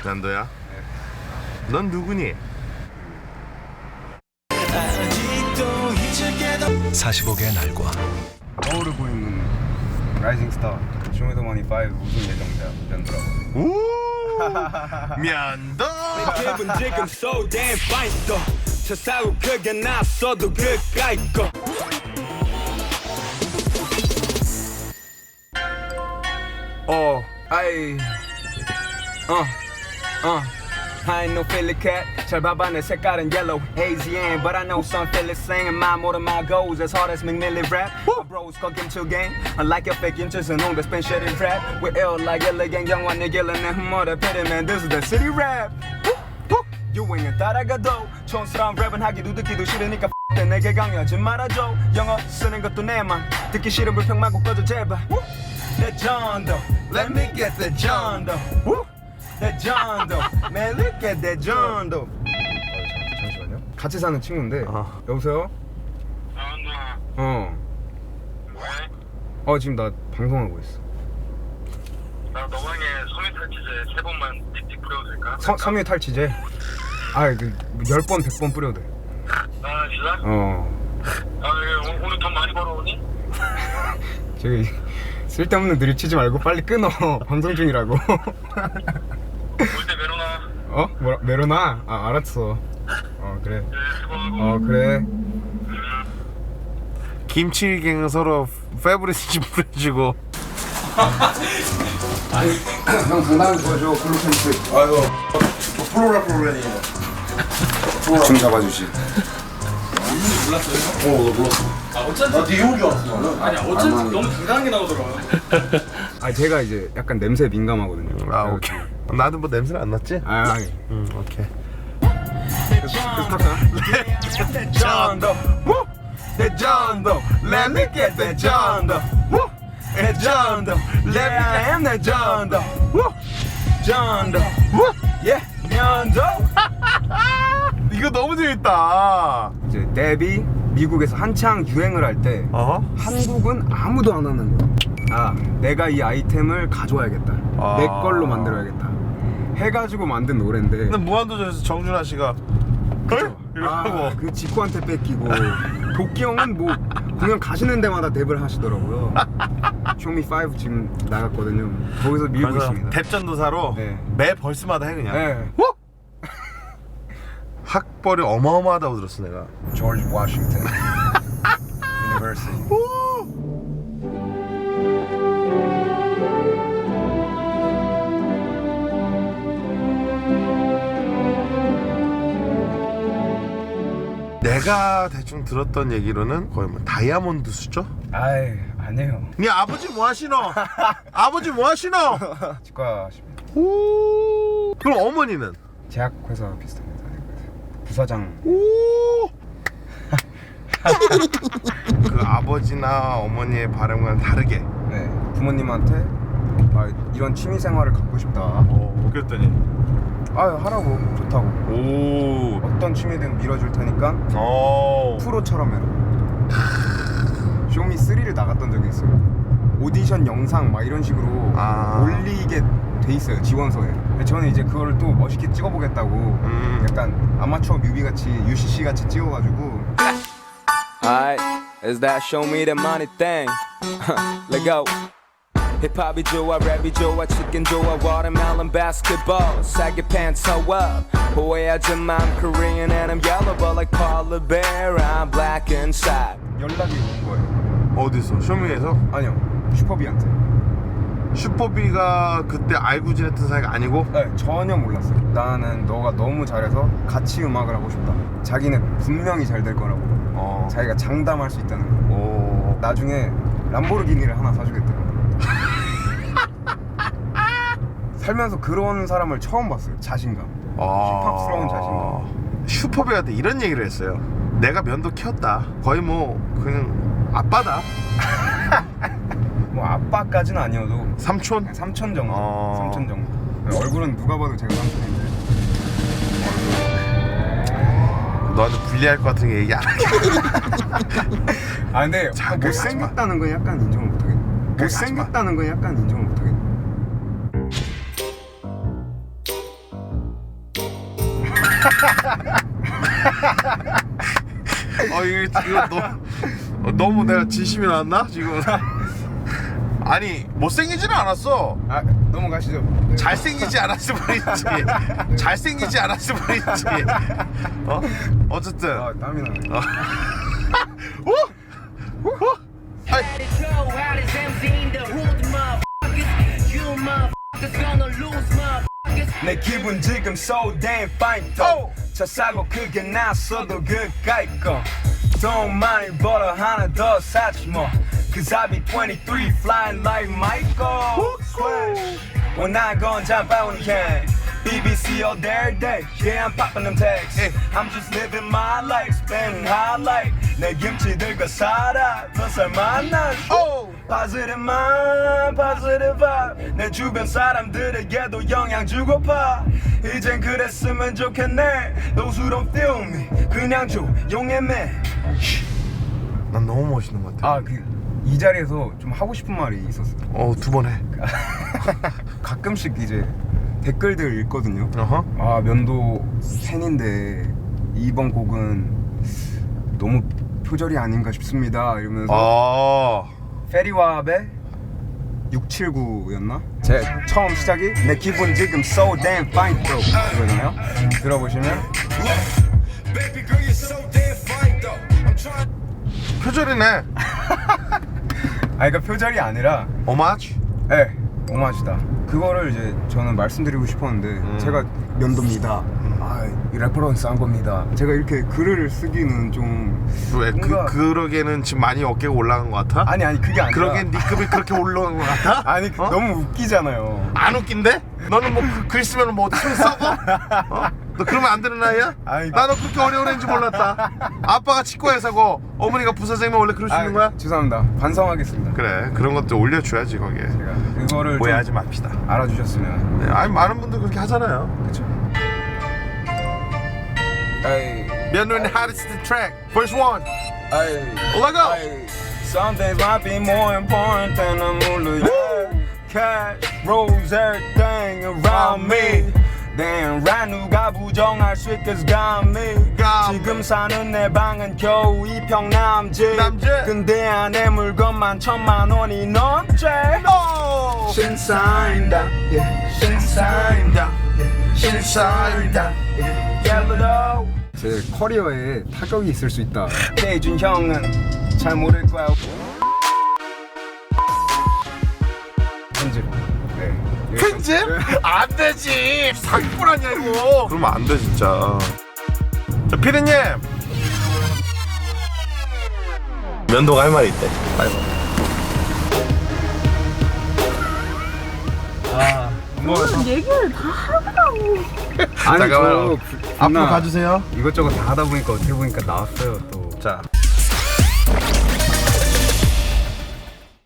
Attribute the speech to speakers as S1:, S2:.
S1: 난도야? 넌 누구니?
S2: 45개의 날과
S3: 거울을 보이는 라이징 스타 쇼미더머니 5 우승 예정자 면도라고.
S1: 오 면도.
S4: 기분 지금 so damn fine 또 세상은 크게 났어도 그까이 거 I ain't no Philly cat. 잘 봐봐 내 색깔은 yellow, hazy and but I know some Philly singing my more than my goals as hard as McMillan rap. My bros call 김치 gang. Unlike your fake interest in on the spin shit and rap. We're ill like Yellow Gang 영화 내 길은 내 humor pity man. This is the city rap. 유행은 따라가도 촌스러운 랩은 하기도 듣기도 싫으니까 X 내게 강요하지 말아줘. 영어 쓰는 것도 내맘 듣기 싫은 불평 말고 꺼져 제발. 내 전도 Let me get the 전도. 내 전도 Man look at that 전도.
S3: 잠시만요. 같이 사는 친구인데. 여보세요? 지금 나 방송하고 있어.
S5: 나 너방에 섬유 탈취제 3번만 틱틱 뿌려도 될까?
S3: 섬유 탈취제? 그 10번 100번 뿌려도 돼.
S5: 아 진짜? 오늘 돈 많이 벌어오니?
S3: 저기 쓸데없는 드립 치지 말고 빨리 끊어. 방송 중이라고.
S5: 올 때 메로나.
S3: 메로나? 알았어. 그래.
S5: 네 수고하고.
S3: 그래.
S1: 김치갱 서로 페브리스 좀 뿌려주고.
S3: 형 장난을 도와줘. 클로펜스.
S6: 아이고 프로라니
S3: 중 잡아주시.
S6: 나 되게 좋은 줄 알았어 나는.
S7: 아니 어쩐지 너무 당당하게 나오더라고요.
S3: 제가 이제 약간 냄새에 민감하거든요.
S1: 오케이. 나도 뭐 냄새 안 났지? 오케이.
S3: 내 전도. 내 전도. Let me get the 전도. 내 전도. Let me get 내 전도. 전도. Yeah, 면도.
S1: 이거 너무 재밌다.
S3: 이제 데뷔 미국에서 한창 유행을 할 때 한국은 아무도 안 하는 거야. 내가 이 아이템을 가져와야겠다. 내 걸로 만들어야겠다. 해가지고 만든 노래인데.
S1: 근데 무한도전에서 정준하 씨가 이러고
S3: 그 직구한테 뺏기고 도끼 형은 뭐 공연 가시는 데마다 랩을 하시더라고요. 쇼미5 지금 나갔거든요. 거기서 밀고 있습니다.
S1: 대전도사로
S3: 네.
S1: 매 벌스마다 해 그냥.
S3: 네.
S1: 학벌이 어마어마하다고 들었어 내가.
S3: 조지 워싱턴 유니버시티.
S1: 내가 대충 들었던 얘기로는 거의 뭐 다이아몬드 수죠?
S3: 아니에요.
S1: 네 아버지 뭐 하시노? 아버지 뭐 하시노?
S3: 치과십니다.
S1: 오. 그럼 어머니는?
S3: 제약회사 비슷합니다. 부사장.
S1: 오. 그 아버지나 어머니의 바람과는 다르게.
S3: 네. 부모님한테 이런 취미 생활을 갖고 싶다.
S1: 그랬더니
S3: 하라고. 좋다고.
S1: 오.
S3: 어떤 취미든 밀어줄 테니까 프로처럼 해라. 쇼미 3를 나갔던 적이 있어요. 오디션 영상 막 이런 식으로 올리게 돼 있어요, 지원서에. 저는 이제 그거를 또 멋있게 찍어보겠다고 약간 아마추어 뮤비 같이 UCC 같이 찍어가지고.
S4: Alright, is that show me the money thing? Let go. 힙합이 좋아, 랩이 좋아, 치킨 좋아, watermelon basketball. saggy pants, so up. 오해하지 마, I'm Korean and I'm yellow, but like Paula Bear, I'm black inside.
S3: 연락이 온 거예요.
S1: 어디서? 쇼미에서?
S3: 아니요, 슈퍼비한테.
S1: 슈퍼비가 그때 알고 지냈던 사이가 아니고?
S3: 네, 전혀 몰랐어요. 나는 너가 너무 잘해서 같이 음악을 하고 싶다. 자기는 분명히 잘 될 거라고. 자기가 장담할 수 있다는 거. 나중에 람보르기니를 하나 사주겠대요. 살면서 그런 사람을 처음 봤어요. 자신감. 힙합스러운 자신감.
S1: 슈퍼비한테 이런 얘기를 했어요. 내가 면도 키웠다. 거의 뭐 그냥 아빠다.
S3: 뭐 아빠까지는 아니어도
S1: 삼촌?
S3: 삼촌 정도. 삼촌 정도. 얼굴은 누가 봐도 제가 삼촌인데.
S1: 너한테 불리할 것 같은 게 얘기 안 하게.
S3: 근데 못생겼다는 건 약간 인정을 못하겠네. 못생겼다는 건 약간 인정을 못하겠네.
S1: 이거 너무 내가 진심이 나왔나 지금? 아니 못생기지는 않았어.
S3: 아 넘어가시죠.
S1: 잘생기지 않았을 뿐이지. 잘생기지 않았을 뿐이지. 어쨌든.
S3: 아 땀이 나네.
S1: 아이,
S4: 내 기분 지금 so damn fine 또 차 사고 크게 났어도 그까이 거 돈 많이 벌어 하나 더 사지 뭐 Cause I be 23 flying like Michael 원하건 잠바운 캔 BBC all day Yeah I'm popping them tags I'm just living my life spending high life 내 김치들과 살아 더 살만한 Positive mind, positive vibe 내 주변 사람들에게도 영향 주고파 이젠 그랬으면 좋겠네 Those who don't feel me 그냥 조용해 man
S1: 난 너무 멋있는 것 같아.
S3: 아 이 자리에서 좀 하고 싶은 말이 있었어요.
S1: 2번 해.
S3: 가끔씩 이제 댓글들 읽거든요.
S1: 어허.
S3: 아 면도 팬인데 이번 곡은 너무 표절이 아닌가 싶습니다 이러면서 페리왑의 679였나? 제 처음 시작이 내 기분 지금 so damn fine though 이거잖아요. 들어보시면
S1: 표절이네.
S3: 아 그러니까 표절이 아니라
S1: 오마주?
S3: 네 오마주다. 그거를 이제 저는 말씀드리고 싶었는데 제가 면도입니다. 이 레퍼런스 한 겁니다. 제가 이렇게 글을 쓰기는 좀
S1: 왜
S3: 뭔가-
S1: 그러기에는 지금 많이 어깨가 올라간 것 같아?
S3: 아니 그게 아니라
S1: 그러기엔 네 급이 그렇게 올라간 것 같아?
S3: 아니 너무 웃기잖아요.
S1: 안 웃긴데? 너는 뭐 글 쓰면 뭐 어디 손 썩어? 너 그러면 안 되는 나이야?
S3: 아니,
S1: 나너 그렇게 어려운 애인지 몰랐다. 아빠가 치과의사고 어머니가 부사장이면 원래 그럴 수 있는 거야?
S3: 죄송합니다. 반성하겠습니다.
S1: 그래 그런 것도 올려줘야지 거기에.
S3: 제가 그거를 좀
S1: 오해하지 맙시다.
S3: 알아주셨으면.
S1: 네, 아니 많은 분들 그렇게 하잖아요.
S3: 그렇죠. 에이,
S1: 면도는 hardest track first one.
S3: 에이,
S1: Let go.
S4: Ay, some days might be more important than a moolah, yeah. Cash rules everything around me. Damn right 누가 부정할 수 있겠어 got me. 지금 사는 내 방은 겨우 2평 남짓. 근데 안에 물건만 1000만 원이 넘지. 신사임다 신사임다 신사임다 Yellow
S3: 제 커리어에 타격이 있을 수 있다.
S4: 대준 형은 잘 모를 거야.
S3: 편집. 네.
S1: 편집? 안 되지. 사기꾼 아니야 이거. 그러면 안 돼 진짜. 자 피디님. 면도가 할 말이 있대.
S8: 무슨 얘기를 다 하더라고.
S3: 아니
S1: 잠깐만요.
S3: 저
S1: 앞으로 가주세요.
S3: 이것저것 다 하다 보니까 어떻게 보니까 나왔어요 또.
S1: 자.